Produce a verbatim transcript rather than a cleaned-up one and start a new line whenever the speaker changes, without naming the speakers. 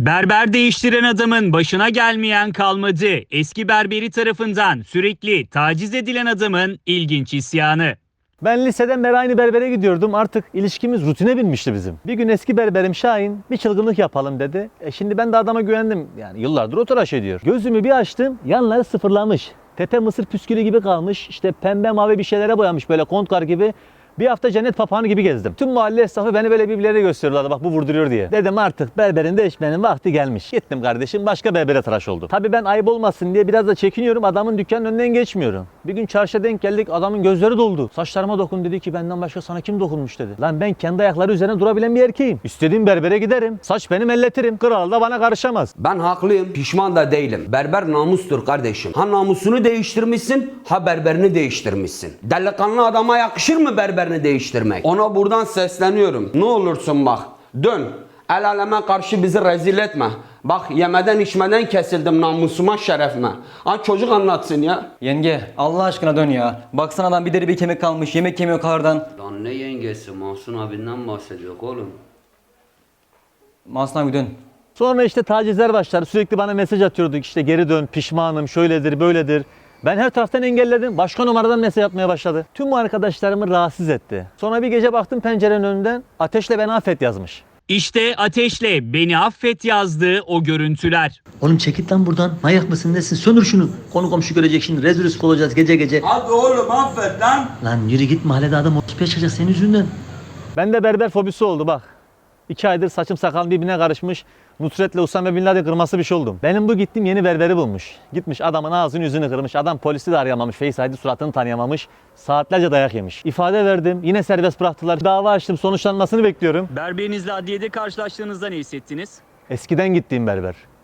Berber değiştiren adamın başına gelmeyen kalmadı. Eski berberi tarafından sürekli taciz edilen adamın ilginç isyanı.
Ben liseden beri aynı berbere gidiyordum. Artık ilişkimiz rutine binmişti bizim. Bir gün eski berberim Şahin bir çılgınlık yapalım dedi. E şimdi ben de adama güvendim. Yani yıllardır o tıraş ediyor. Gözümü bir açtım, yanları sıfırlamış. Tepe mısır püskülü gibi kalmış. İşte pembe mavi bir şeylere boyamış böyle kontkar gibi. Bir hafta cennet papağanı gibi gezdim. Tüm mahalle esnafı beni böyle birbirlerine gösteriyorlardı. Bak bu vurduruyor diye. Dedim artık berberin değişmenin vakti gelmiş. Gittim kardeşim başka berbere tıraş oldum. Tabii ben ayıp olmasın diye biraz da çekiniyorum. Adamın dükkanın önünden geçmiyorum. Bir gün çarşıya denk geldik. Adamın gözleri doldu. Saçlarıma dokun dedi ki benden başka sana kim dokunmuş dedi. Lan ben kendi ayakları üzerine durabilen bir erkeğim. İstediğim berbere giderim. Saç benim elletirim. Kral da bana karışamaz.
Ben haklıyım, pişman da değilim. Berber namustur kardeşim. Ha namusunu değiştirmişsin, ha berberini değiştirmişsin. Delikanlı adama yakışır mı berberini değiştirmek? Ona buradan sesleniyorum. Ne olursun bak, dön. El aleme karşı bizi rezil etme. Bak yemeden içmeden kesildim namusuma, şerefime. Ha çocuk anlatsın ya.
Yenge Allah aşkına dön ya. Baksana adam bir deri bir kemik kalmış, yemek yemiyor kardan.
Lan ne yengesi, Mahsun abinden bahsediyor oğlum.
Mahsun abi dön.
Sonra işte tacizler başladı. Sürekli bana mesaj atıyorduk. İşte geri dön, pişmanım, şöyledir, böyledir. Ben her taraftan engelledim. Başka numaradan mesaj atmaya başladı. Tüm bu arkadaşlarımı rahatsız etti. Sonra bir gece baktım pencerenin önünden Ateşle Beni Affet yazmış.
İşte Ateşle Beni Affet yazdığı o görüntüler.
Oğlum çekit lan buradan. Manyak mısın nesin? Söndür şunu. Konu komşu görecek şimdi. Rezil rüsva olacağız gece gece.
Hadi oğlum affet lan.
Lan yürü git mahallede adam ortaya çıkacak senin yüzünden.
Bende berber fobisi oldu bak. İki aydır saçım sakalım birbirine karışmış. Nusret'le Usame Bin Laden kırması bir şey oldum. Benim bu gittiğim yeni berberi bulmuş. Gitmiş adamın ağzını yüzünü kırmış. Adam polisi de arayamamış. Face I D suratını tanıyamamış. Saatlerce dayak yemiş. İfade verdim. Yine serbest bıraktılar. Dava açtım. Sonuçlanmasını bekliyorum.
Berberinizle adliyede karşılaştığınızda ne hissettiniz?
Eskiden gittiğim berber.